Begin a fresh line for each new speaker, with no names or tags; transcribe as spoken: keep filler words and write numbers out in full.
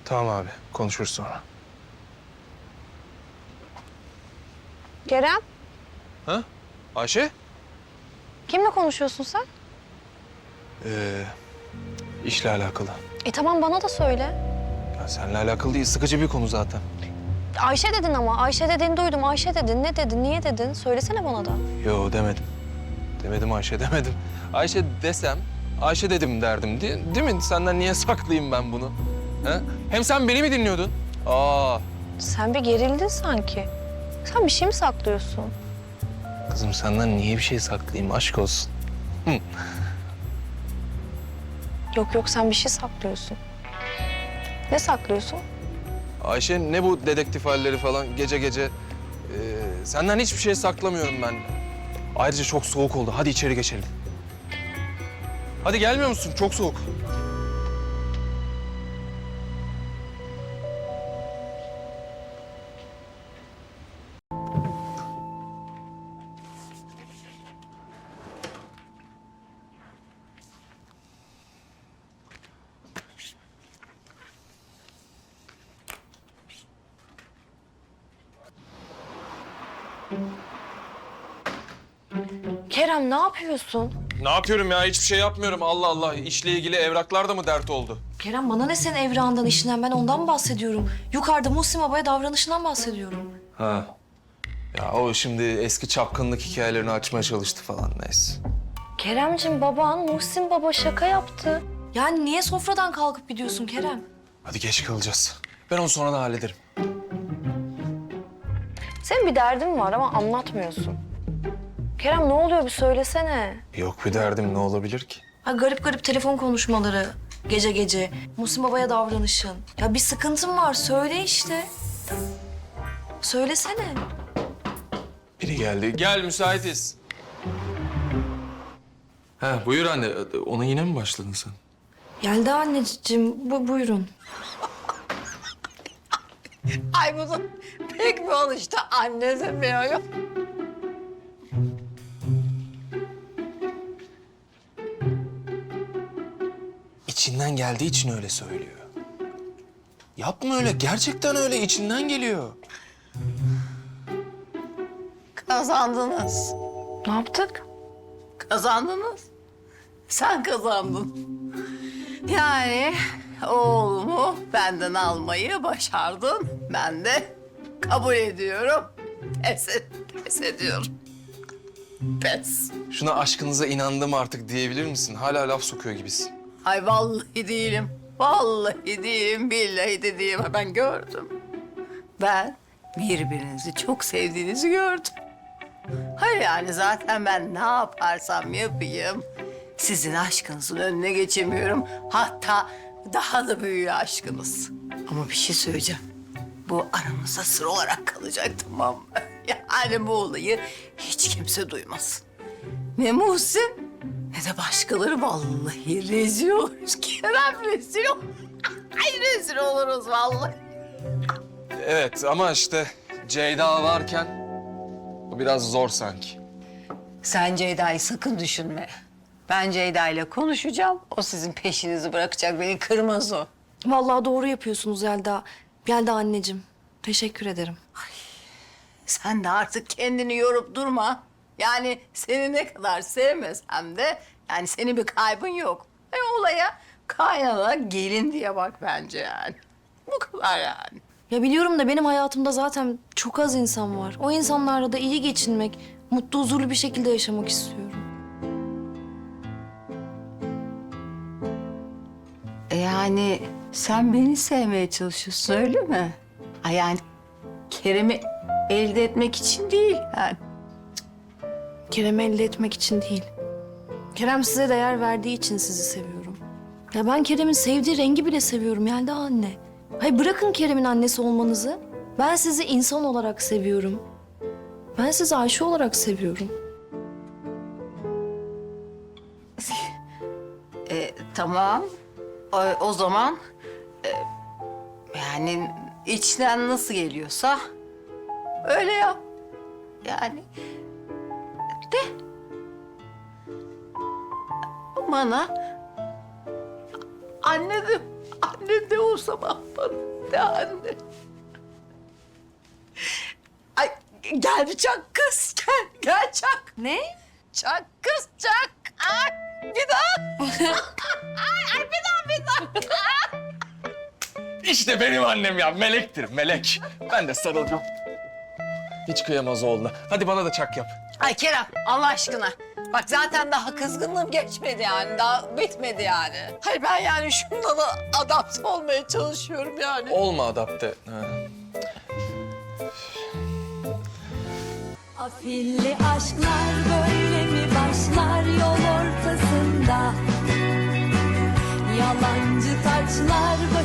Tamam abi, konuşuruz sonra.
Kerem,
Ha? Ayşe?
kimle konuşuyorsun sen?
Ee, işle alakalı.
E tamam bana da söyle.
Ya seninle alakalı değil, sıkıcı bir konu zaten.
Ayşe dedin ama. Ayşe dediğini duydum. Ayşe dedin. Ne dedin? Niye dedin? Söylesene bana da.
Yo demedim. Demedim Ayşe, demedim. Ayşe desem, Ayşe dedim derdim. Değil, değil mi? Senden niye saklayayım ben bunu? Ha? Hem sen beni mi dinliyordun? Aa,
Sen bir gerildin sanki. Sen bir şey mi saklıyorsun?
kızım senden niye bir şey saklayayım? Aşk olsun. Hı.
Yok yok sen bir şey saklıyorsun. Ne saklıyorsun?
Ayşe ne bu dedektif halleri falan gece gece? Ee, senden hiçbir şey saklamıyorum ben. Ayrıca çok soğuk oldu. Hadi içeri geçelim. Hadi gelmiyor musun? Çok soğuk.
Kerem ne yapıyorsun?
Ne yapıyorum ya? Hiçbir şey yapmıyorum. Allah Allah. İşle ilgili evraklar da mı dert oldu?
Kerem bana ne senin evrağından, işinden? Ben ondan bahsediyorum. Yukarıda Muhsin Baba'ya davranışından bahsediyorum.
Ha. Ya o şimdi eski çapkınlık hikayelerini açmaya çalıştı falan neyse.
Keremcim baban Muhsin Baba şaka yaptı.
Yani niye sofradan kalkıp gidiyorsun Kerem?
Hadi geç kalacağız. Ben onu sonra da hallederim.
Senin bir derdin var ama anlatmıyorsun. Kerem ne oluyor bir söylesene.
Yok bir derdim ne olabilir ki?
Ha, garip garip telefon konuşmaları gece gece. Muhsin Baba'ya davranışın. Ya bir sıkıntın var, söyle işte. Söylesene.
Biri geldi. Gel müsaitiz. Ha buyur anne. Ona yine mi başladın sen?
Geldi anneciğim, bu, buyurun.
Ay bunu pek mi alıştı anne demiyor.
İçinden geldiği için öyle söylüyor. Yapma öyle. Gerçekten öyle. İçinden geliyor.
Kazandınız.
Ne yaptık?
Kazandınız. Sen kazandın. Yani oğlumu benden almayı başardın. Ben de kabul ediyorum. Pes, et, pes ediyorum. Pes.
Şuna aşkınıza inandım artık diyebilir misin? Hala laf sokuyor gibisin.
Ay vallahi değilim. Vallahi değilim, billahi de değilim. Ben gördüm. Ben birbirinizi çok sevdiğinizi gördüm. Hayır yani zaten ben ne yaparsam yapayım sizin aşkınızın önüne geçemiyorum. Hatta daha da büyüyor aşkınız. Ama bir şey söyleyeceğim. Bu aramızda sır olarak kalacak, tamam mı? Yani bu olayı hiç kimse duymasın. Ne Muhsin ne de başkaları, vallahi rezil oluruz. Kerem rezil olur. Ay rezil oluruz vallahi.
Evet ama işte Ceyda varken bu biraz zor sanki.
Sen Ceyda'yı sakın düşünme. Ben Ceyda ile konuşacağım. O sizin peşinizi bırakacak. Beni kırmaz o.
Vallahi doğru yapıyorsunuz Yelda. Yelda anneciğim, teşekkür ederim.
Sen de artık kendini yorup durma. Yani seni ne kadar sevmesem de yani senin bir kaybın yok. E, olaya kaynana gelin diye bak bence yani. Bu kadar yani.
Ya biliyorum da benim hayatımda zaten çok az insan var. O insanlarla da iyi geçinmek, mutlu, huzurlu bir şekilde yaşamak istiyorum.
E, yani sen beni sevmeye çalışıyorsun öyle mi? Ay yani Kerem'i elde etmek için değil yani.
Kerem'i elde etmek için değil. Kerem size değer verdiği için sizi seviyorum. Ya ben Kerem'in sevdiği rengi bile seviyorum Yelda anne. Hayır bırakın Kerem'in annesi olmanızı. Ben sizi insan olarak seviyorum. Ben sizi Ayşe olarak seviyorum.
E, tamam. O, o zaman e, yani içten nasıl geliyorsa öyle yap. Yani de bana anne de Annem de olsa mahvolur. De anne. Ay gel bir çak kız. Gel, gel çak.
Ne?
Çak kız çak. Ay bir daha. ay, ay bir daha bir daha.
İşte benim annem ya, melektir, melek. Ben de sarılacağım. Hiç kıyamaz oğluna. Hadi bana da çak yap.
Ay Kerem Allah aşkına. Bak zaten daha kızgınlığım geçmedi yani. Daha bitmedi yani. Hayır ben yani şundan adapte olmaya çalışıyorum yani.
Olma adapte. Ha.
Afilli aşklar böyle mi başlar yol ortasında? Yalancı taçlar